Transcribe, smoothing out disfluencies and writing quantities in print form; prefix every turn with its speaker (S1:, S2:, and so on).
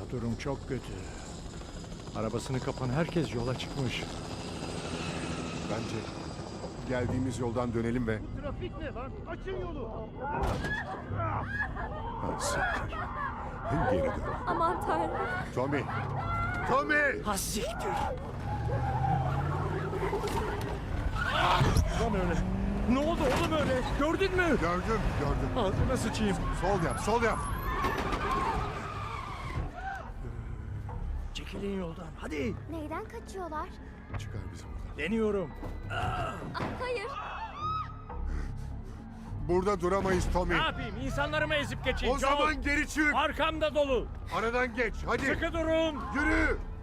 S1: Durum çok kötü. Arabasını kapan herkes yola çıkmış.
S2: Bence geldiğimiz yoldan dönelim ve...
S3: Trafik ne lan? Açın yolu.
S2: Ha, siktir. Geri dön.
S4: Aman Tanrım.
S2: Tommy! Tommy!
S1: Ha siktir. Lan öyle. Ne oldu oğlum öyle? Gördün mü?
S2: Gördüm.
S1: Ağzına sıçayım.
S2: Sol yap.
S1: Çekilin yoldan. Hadi.
S4: Neyden kaçıyorlar?
S2: Çıkar bizi buradan.
S1: Deniyorum.
S4: Hayır.
S2: Burada duramayız Tommy.
S1: Ne yapayım? İnsanları mı ezip geçeyim?
S2: O zaman geri çık.
S1: Arkamda dolu.
S2: Aradan geç. Hadi.
S1: Sıkı durun.
S2: Yürü.